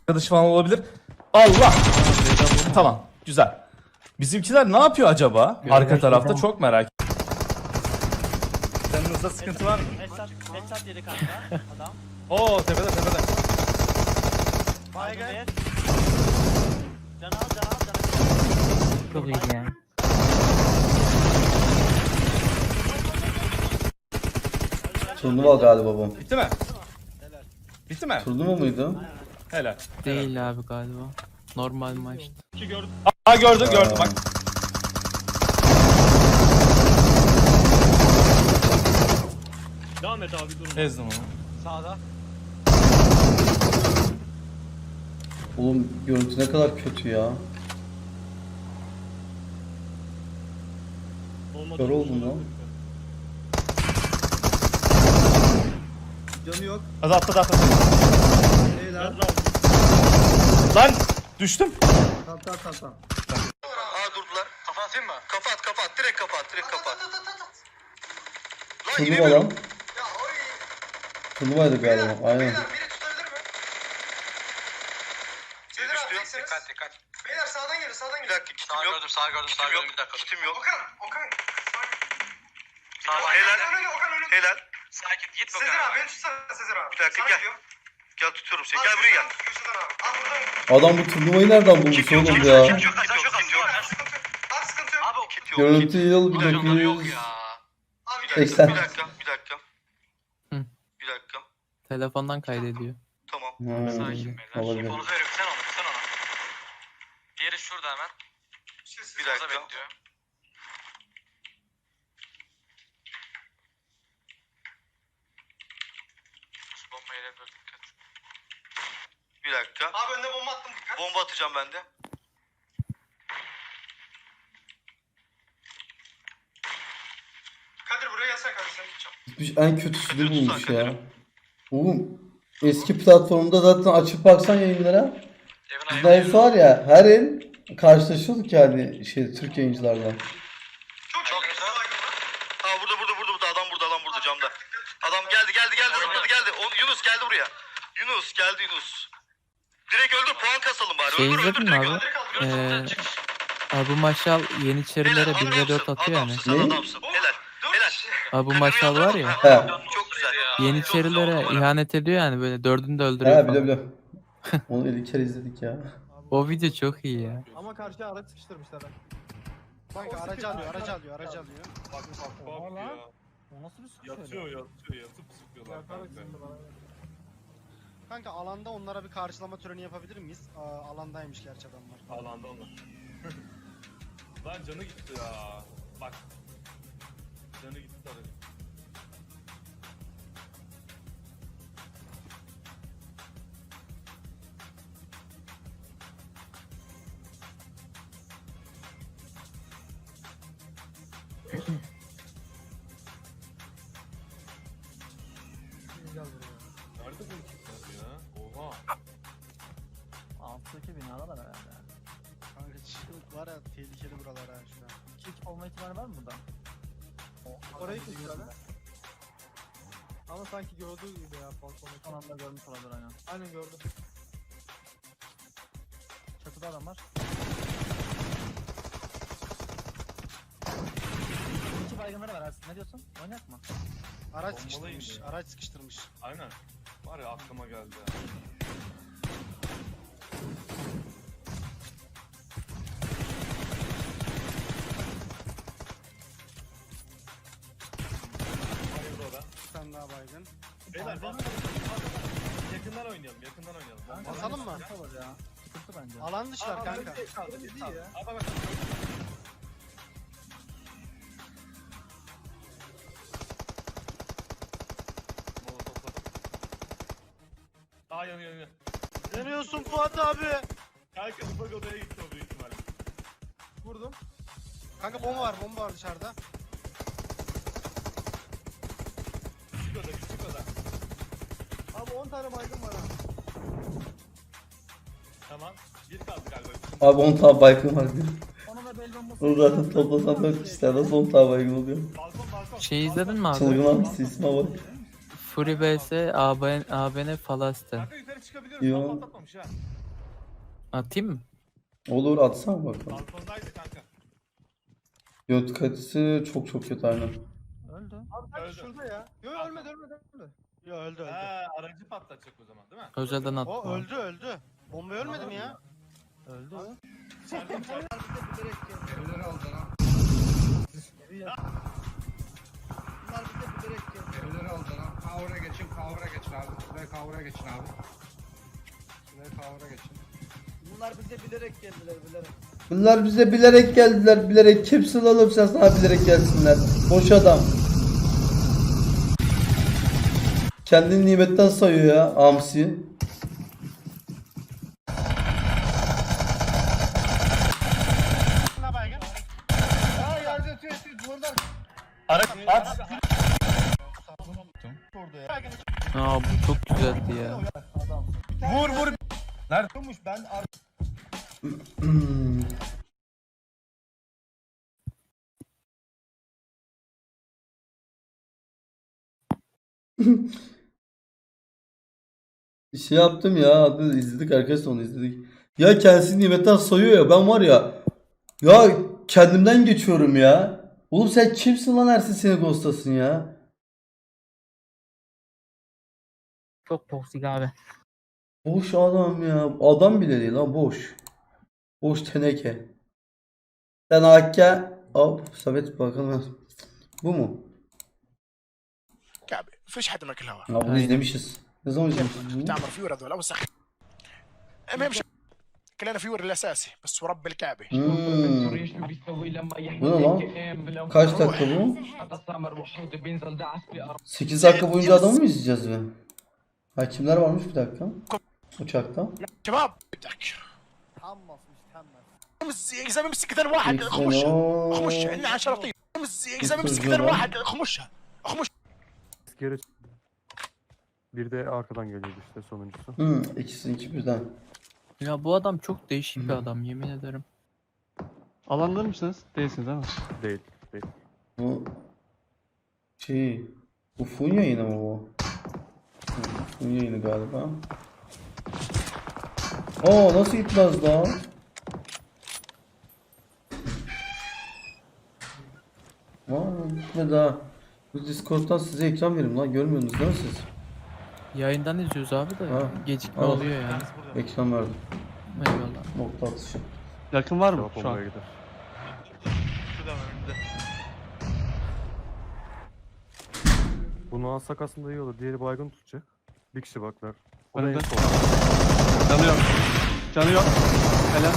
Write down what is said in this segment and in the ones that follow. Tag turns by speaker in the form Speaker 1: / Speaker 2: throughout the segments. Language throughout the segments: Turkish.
Speaker 1: arkadaşı falan olabilir. Allah! Tamam, güzel. Bizimkiler ne yapıyor acaba? Arka tarafta çok merak ettim. Canınızda sıkıntı var mı?
Speaker 2: Headshot yedi kanka adam.
Speaker 1: Oo, tepede.
Speaker 2: Baygın. Can al.
Speaker 3: Çok iyi ya.
Speaker 4: Turnuva galiba bu.
Speaker 1: Bitti mi? Bitti mi?
Speaker 4: Turnuva muydu?
Speaker 1: Helal.
Speaker 3: Değil abi galiba. Normal maç.
Speaker 1: Aa, gördüm bak.
Speaker 2: Devam et abi dur.
Speaker 1: Ezdim onu.
Speaker 2: Sağda.
Speaker 4: Oğlum görüntü ne kadar kötü ya. Kör oldum lan.
Speaker 5: Canı yok.
Speaker 1: Hadi atla.
Speaker 5: Beyler.
Speaker 1: Lan düştüm.
Speaker 5: Tamam.
Speaker 6: Aa durdular. Kafa atayım mı? Kapat. Direkt kapat. Lan
Speaker 4: Turnuva
Speaker 6: inemiyorum.
Speaker 4: lan.
Speaker 6: Ya oy.
Speaker 4: Turnuvaydı galiba. Aynen.
Speaker 6: Beyler biri tutabilir mi? Beyler abi teksiniz. Dikkat. Beyler sağdan gelin. Bir dakika kitim yok. Sağ gördüm. Bir dakika. Kitim yok. Okan. Helal. Sakin git bakalım. Sezer abi beni tutsana Sezer abi. Bir dakika gel. Gel tutuyorum seni. Gel buraya gel.
Speaker 4: Adam bu turnuvayı nereden bulmuş oğlum ya?
Speaker 6: Abi sıkıntı yok. Abi o kit yok.
Speaker 4: Görüntü yıl
Speaker 6: Yok
Speaker 4: 1900.
Speaker 6: ya. Abi bir
Speaker 4: 80.
Speaker 6: dakika.
Speaker 3: Hı.
Speaker 6: Bir dakika.
Speaker 3: Telefondan kaydediyor.
Speaker 6: Tamam.
Speaker 4: Olabilir.
Speaker 6: Onu veriyorum sen ona. Diğeri şurada hemen. Bir dakika. Bekliyor. Bombayı da dikkat. Bir dakika. Abi önüne bomba attım dikkat. Bomba atacağım ben de. Kadir buraya yasak abi sen gideceğim.
Speaker 4: En kötüsünü bulmuş ya. Oğlum eski platformda zaten açıp baksan yayınlara. Bizde var ya her el karşılaşıyorduk yani Türk yayıncılarla.
Speaker 6: Çok güzel. Ha burada adam burada camda. Adam geldi zıpladı geldi. Yunus geldi buraya. Yunus. Direkt öldür puan kasalım bari.
Speaker 3: Şey
Speaker 6: öldür
Speaker 3: izledin mi
Speaker 6: direkt
Speaker 3: abi?
Speaker 6: öldür.
Speaker 3: Abu Maşal Yeniçerilere 1v4 atıyor yani.
Speaker 6: Sen
Speaker 4: Ne?
Speaker 6: adamsın. Helal.
Speaker 3: Abu Maşal var ya.
Speaker 4: He.
Speaker 6: Çok güzel ya.
Speaker 3: Yeniçerilere ihanet ediyor yani böyle dördünü de
Speaker 4: He
Speaker 3: öldürüyor falan.
Speaker 4: biliyorum. Onu ilk kere izledik ya.
Speaker 3: O video çok iyi ya.
Speaker 5: Ama karşıya araç sıkıştırmışlar. Kanka aracı alıyor.
Speaker 7: Bak ya.
Speaker 5: O nasıl bir sıkış
Speaker 7: Yatıp sıkıyorlar kanka.
Speaker 5: Kanka alanda onlara bir karşılama töreni yapabilir miyiz? Alandaymış gerçi adamlar.
Speaker 7: Alanda onlar. Lan canı gitti ya. Bak. Canı gitti tabii. Nerede bu ikisi ya? Oha.
Speaker 8: Alttaki binalar herhalde.
Speaker 5: Kanka çığlık var ya tehlikeli buralar ha şu an.
Speaker 8: Kick olma ihtimali var mı burada?
Speaker 5: Orayı kesiyorlar. Ama sanki gördüğü gibi ya balkonu.
Speaker 8: Son anda görmüş olabilir aynen.
Speaker 5: Aynen gördüm.
Speaker 8: Çatıda adam var. İki baygınları var Ersin. Ne diyorsun? Oynayak mı?
Speaker 5: Araç
Speaker 7: Bombalıyım
Speaker 5: sıkıştırmış.
Speaker 7: ya.
Speaker 5: Araç sıkıştırmış.
Speaker 7: Aynen. Var ya aklıma geldi ya. Hayırlı o da.
Speaker 5: Bir tane daha baygın.
Speaker 7: Beyler bak. Yakından oynayalım. Bomba-
Speaker 5: Basalım mı?
Speaker 8: Sıkıntı olur ya. Sıkıntı bence.
Speaker 5: Alan dışlar kanka.
Speaker 7: Aa, bak. Molotofladım. Aa yanıyor.
Speaker 5: Yanıyorsun Fuat abi.
Speaker 7: Kanka ufak odaya gitti o büyük ihtimalle.
Speaker 5: Vurdum. Kanka bomba var dışarıda.
Speaker 7: Küçük oda.
Speaker 5: Abi 10 tane baygın var ha.
Speaker 7: Tamam. Bir kaldı galiba.
Speaker 4: Abi 10 tane baygın var diyor.
Speaker 8: Onu da bel bombası.
Speaker 4: Onu zaten toplasan 4 kişiler nasıl 10 tane baygın oluyor.
Speaker 7: Balkon.
Speaker 3: Şey izledin mi abi?
Speaker 4: Çılgın abi isme bak.
Speaker 3: Fury vs ABN Falaste.
Speaker 7: Kanka yukarı çıkabiliyoruz.
Speaker 4: Yo.
Speaker 7: Tam patlatmamış ha.
Speaker 3: Atayım mı?
Speaker 4: Olur atsana bakalım.
Speaker 7: Balkondaydı kanka.
Speaker 4: Göt kalitesi çok kötü aynen.
Speaker 8: Öldü.
Speaker 5: Abi
Speaker 7: Öldü.
Speaker 5: şurada ya. Yo ölmedi. Yo öldü.
Speaker 7: Aracı patlatacak o zaman değil mi?
Speaker 3: Özelden attım.
Speaker 5: O
Speaker 3: abi.
Speaker 5: öldü. Bomba ölmedi mi ya?
Speaker 8: Öldü.
Speaker 9: Evleri aldı lan. Kavura geçin abi. Şuraya kavura geçin abi. Şuraya kavura geçin.
Speaker 8: Bunlar bize bilerek geldiler bilerek.
Speaker 4: Bunlar bize bilerek geldiler, bilerek. Kimsin oğlum sen, sana bilerek gelsinler. Boş adam. Kendini nimetten sayıyor ya Amsi.
Speaker 5: Ne baygın?
Speaker 9: Aa yerde yatıyor buradan.
Speaker 1: Araç at.
Speaker 3: Aa bu çok güzeldi ya.
Speaker 1: Vur vur. Nerede?
Speaker 4: Şey yaptım ya, adı izledik arkadaşlar, onu izledik. Ya kendisi nimetten sayıyor ya, ben var ya. Ya kendimden geçiyorum ya. Oğlum sen kimsin lan, Ersin seni ghostlasın ya.
Speaker 3: Çok toksik abi.
Speaker 4: Boş adam ya. Adam bile değil lan, boş. Boş teneke. Sen Hakk'a hop Samet bakalım. Bu mu?
Speaker 6: كعبي فيش حد ماكل هوا
Speaker 4: Ya bunu
Speaker 3: Aynen.
Speaker 4: izlemişiz. Ne zaman izlemişiz bunu?
Speaker 6: تعمر فيور هذول اوسخ المهم كلنا فيور الاساسي بس ورب الكعبه
Speaker 4: Hmm. Bu ne lan? Kaç dakika bu? 8 dakika boyunca adamı mı izleyeceğiz be? Ha kimler varmış bir dakika? Uçakta.
Speaker 6: شباب بدك
Speaker 8: Tammas mı tammas.
Speaker 6: يا زلمه امسك كذا واحد خمشها خمشها عندنا 10 طيب يا زلمه امسك كذا واحد خمشها خمش
Speaker 10: Geri bir de arkadan geliyordu işte sonuncusu.
Speaker 4: İkisi birden.
Speaker 3: Ya bu adam çok değişik bir adam yemin ederim.
Speaker 10: Alanlar mısınız? Değilsiniz değil mi? Değil. Değil.
Speaker 4: Bu şey, bu Fun yayını mı bu? Fun yayını galiba. Nasıl gitmez daha? Gitmedi ha. Bu Discord'dan size ekran verim lan, görmüyorsunuz değil mi siz?
Speaker 3: Yayından izliyoruz abi de
Speaker 4: Ha.
Speaker 3: gecikme
Speaker 4: Ha.
Speaker 3: oluyor yani.
Speaker 4: Ekran verdim.
Speaker 3: Eyvallah.
Speaker 4: Nokta atışı.
Speaker 10: Yakın var mı şu an? Gider. Bunu alsak aslında iyi olur. Diğeri baygın tutacak. Bir kişi baklar. O da en son.
Speaker 11: Canı yok. Canı yok. Helal.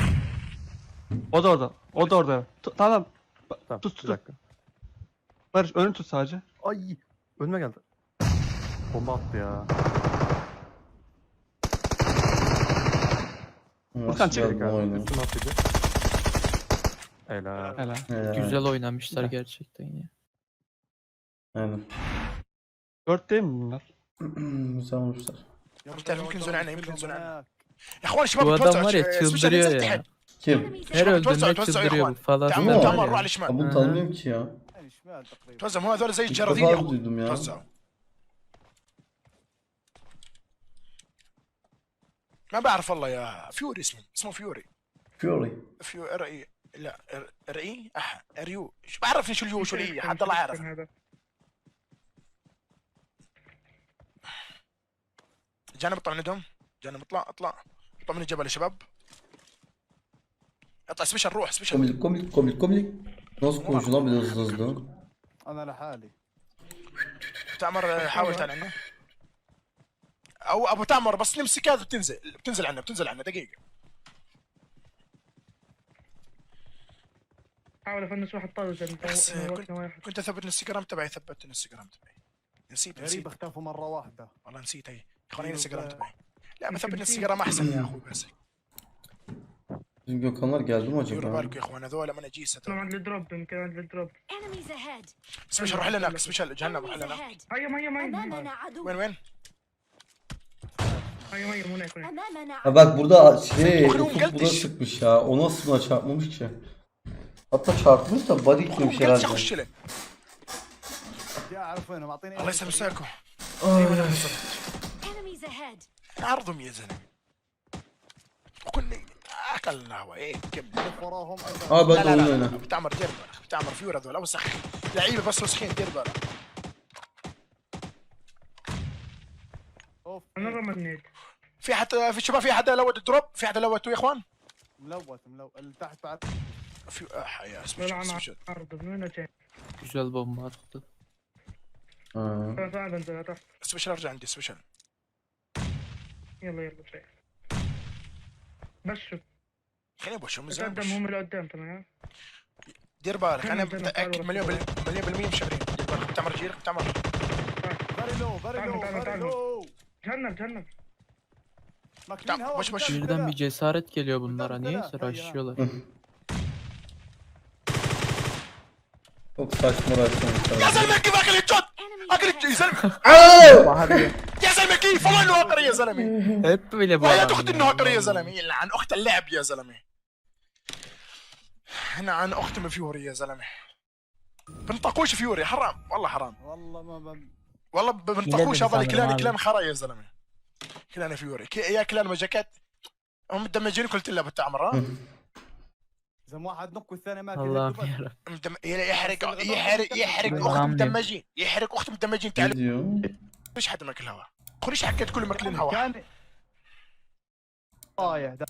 Speaker 11: O da orada. O da orada. Tamam.
Speaker 10: Tamam,
Speaker 11: Tut,
Speaker 10: bir dakika.
Speaker 11: Barış önünü tut sadece.
Speaker 10: Ay! Önüme geldi. Bomba attı ya.
Speaker 11: Furkan çek.
Speaker 4: Nasıl oyunu?
Speaker 10: Üstüne atlayacak. Helal.
Speaker 11: Helal.
Speaker 3: Güzel oynamışlar gerçekten ya.
Speaker 4: Aynen.
Speaker 11: 4 değil mi bunlar?
Speaker 4: Güzel olmuşlar.
Speaker 6: يمكن زون عنا يمكن زون عنا يا اخوان شباب
Speaker 3: Bu adam
Speaker 6: توزعوا
Speaker 3: var ya
Speaker 6: سبيشال
Speaker 3: çıldırıyor
Speaker 6: نزلت
Speaker 3: ya.
Speaker 6: تحت
Speaker 4: Kim?
Speaker 3: Her
Speaker 6: توزعوا
Speaker 3: öldüğünde
Speaker 6: توزعوا يا
Speaker 3: çıldırıyor bu
Speaker 6: اخوان
Speaker 3: falan.
Speaker 6: تعمر
Speaker 4: Değil mi?
Speaker 6: تعمر روح على
Speaker 4: Ha,
Speaker 6: الشمال
Speaker 4: bunu tanımıyorum ki ya.
Speaker 8: Yani şmal takriben.
Speaker 6: توزعوا مو هذول زي
Speaker 4: İlk
Speaker 6: الجرادين يا
Speaker 4: defa
Speaker 6: اخوان
Speaker 4: duydum ya.
Speaker 6: توزعوا ما بعرف والله يا فيوري اسمه فيوري
Speaker 4: Fury.
Speaker 6: رأي لا رأي ريو شو بعرفني شو اليو شو الإي حد الله عارف جانب اطلع من عندهم جانب اطلع من الجبل يا شباب اطلع سبيشال روح سبيشال
Speaker 4: Komik. Nasıl konuşuyor lan bir de hızlı.
Speaker 8: Ana لحالي.
Speaker 6: تعمر حاول تعال عنا او ابو تعمر بس نمسك هذا بتنزل عنا دقيقه
Speaker 2: حاول افنش واحد طازج
Speaker 6: بس كنت اثبت الانستغرام تبعي ثبت الانستغرام تبعي نسيت
Speaker 8: غريب اختفوا مرة واحدة.
Speaker 6: والله نسيت هي اخواني الانستغرام تبعي لا بثبت الانستغرام احسن يا اخوي بس
Speaker 4: Bizim Gökhanlar geldi mi
Speaker 6: ديروا
Speaker 4: acaba?
Speaker 6: بالكم يا اخوان هذول من اجيسه
Speaker 2: عند الدروب يمكن عند الدروب
Speaker 12: Enemies ahead.
Speaker 6: سبيشال روح لنا سبيشال جهنم روح
Speaker 12: Enemies
Speaker 6: لنا
Speaker 12: ahead.
Speaker 2: هيا
Speaker 12: أمامنا عدو.
Speaker 6: وين
Speaker 2: هيا هناك
Speaker 12: أمامنا
Speaker 4: Ha
Speaker 12: عدو.
Speaker 4: bak burada
Speaker 6: Oğlum,
Speaker 4: Ufuk buna
Speaker 6: gelmiş.
Speaker 4: sıkmış ya. O nasıl buna çarpmamış ki? Hatta çarpmış da body gitmemiş
Speaker 6: قلت
Speaker 4: herhalde.
Speaker 6: خش له
Speaker 8: يا اعرف وينهم اعطيني.
Speaker 6: الله يسامحكم
Speaker 12: Enemies ahead.
Speaker 6: عرضهم يا زلمه وكنا خلنا هو ايه كمل.
Speaker 8: لف وراهم
Speaker 4: Abi hadi oyun oyna.
Speaker 6: بتعمر دير بالك بتعمر فيور هذول وسخ لعيبه بس وسخين دير بالك.
Speaker 8: اوف
Speaker 2: انا رمت نيد.
Speaker 6: في حتى في شباب في حدا لود الدروب في حدا لوته يا اخوان.
Speaker 8: ملوت اللي تحت بعد.
Speaker 6: في يا
Speaker 2: طلع مع
Speaker 6: سبيشل
Speaker 2: عرض من وين جاي؟
Speaker 3: Güzel bomba attı.
Speaker 4: Ha.
Speaker 2: انا صعب انزل تحت.
Speaker 6: سبيشل ارجع عندي سبيشل.
Speaker 2: يلا يلا شيء. بس شوف
Speaker 6: خليني ابغى شو مزين
Speaker 2: قدام هم اللي قدام تمام.
Speaker 6: دير بالك انا
Speaker 2: جنب
Speaker 6: متاكد مليون بالمية مشغلين. دير بالك بتعمر جير بتعمر.
Speaker 8: فيري لو فيري لو
Speaker 2: تعال، تعال،
Speaker 8: فيري
Speaker 2: تعال.
Speaker 8: لو
Speaker 2: جنب.
Speaker 8: ماكلين هوا
Speaker 6: بش- بش.
Speaker 3: Birden bir cesaret geliyor bunlara. Niyeyse
Speaker 8: Muhtemelen,
Speaker 3: rushlıyorlar.
Speaker 4: Çok saçma
Speaker 6: يا
Speaker 4: açmamışlar.
Speaker 6: زلمه كيف اكل الجد اكل يا زلمه
Speaker 4: Alo!
Speaker 6: يا زلمه كيف والله انه هاكر يا زلمه.
Speaker 3: Hep böyle bu
Speaker 6: ويا
Speaker 3: adam.
Speaker 6: اختي
Speaker 3: ya.
Speaker 6: انه هاكر يا زلمه يلعن اخت اللعب يا زلمه. انا عن اختي من فيوري يا زلمه. بنطقوش فيوري حرام والله حرام.
Speaker 8: والله ما
Speaker 6: والله بنطقوش هذا الكلان
Speaker 3: sanırım abi.
Speaker 6: خرا يا زلمه. كلان فيوري يا كلان مجاكات هم مدمجين قلت له بالتعمر ها.
Speaker 8: زم واحد نق والثاني مات
Speaker 3: Allah'ım
Speaker 8: يدب.
Speaker 3: yarabbim.
Speaker 6: يحرق اخت
Speaker 3: حرام دي.
Speaker 6: مدمجين يحرق اخت مدمجين
Speaker 4: Ne
Speaker 6: تعال
Speaker 4: diyor?
Speaker 6: ليش حد ماكل هوا؟ ليش حكيت كل ماكلين هوا؟
Speaker 8: كان طايح ده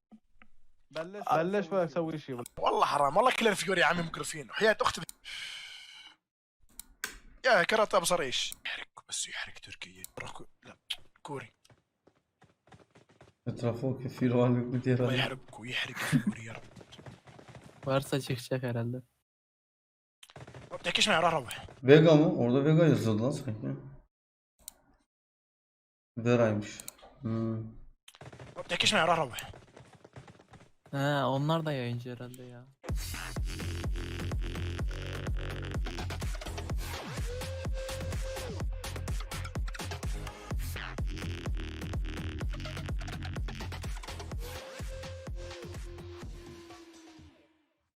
Speaker 8: بلش ولا اسوي شيء.
Speaker 6: والله حرام والله كلنا فيوري يا عمي مقرفين وحياة اختي يا كرات ابو صريش يحرق بس يحرق تركيا لا كوري
Speaker 4: Etrafa o kefil var yok mu diye
Speaker 6: الله
Speaker 4: herhalde.
Speaker 6: يحرق ويحرق فيوري يا رب.
Speaker 3: Varsa çıkacak herhalde.
Speaker 6: ما بتحكيش معي راح روح.
Speaker 4: Vega mı? Orada Vega yazıyordu lan sanki. Vera'ymış. Hmm.
Speaker 6: ما بتحكيش معي راح روح.
Speaker 3: Ha, onlar da yayıncı herhalde ya.